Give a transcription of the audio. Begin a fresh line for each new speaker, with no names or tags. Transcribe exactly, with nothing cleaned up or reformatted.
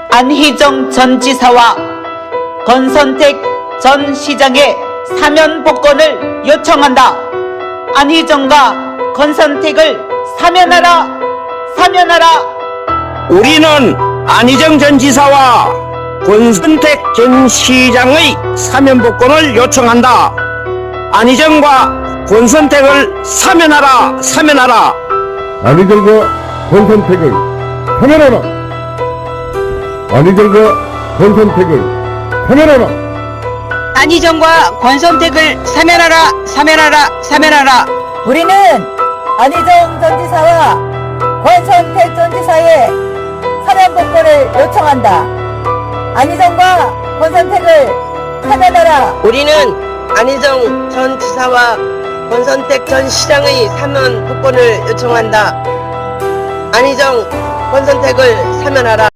안희정 전 지사와 권선택 전 시장의 사면 복권을 요청한다. 안희정과 권선택을 사면하라, 사면하라.
우리는 안희정 전 지사와 권선택 전 시장의 사면복권을 요청한다. 안희정과 권선택을 사면하라, 사면하라.
안희정과 권선택을 사면하라. 안희정과 권선택을 사면하라.
안희정과 권선택을 사면하라, 사면하라, 사면하라.
우리는 안희정 전 지사와 권선택 전 지사의 사면 복권을 요청한다. 안희정과 권선택을 사면하라.
우리는 안희정 전 지사와 권선택 전 시장의 사면 복권을 요청한다. 안희정, 권선택을 사면하라.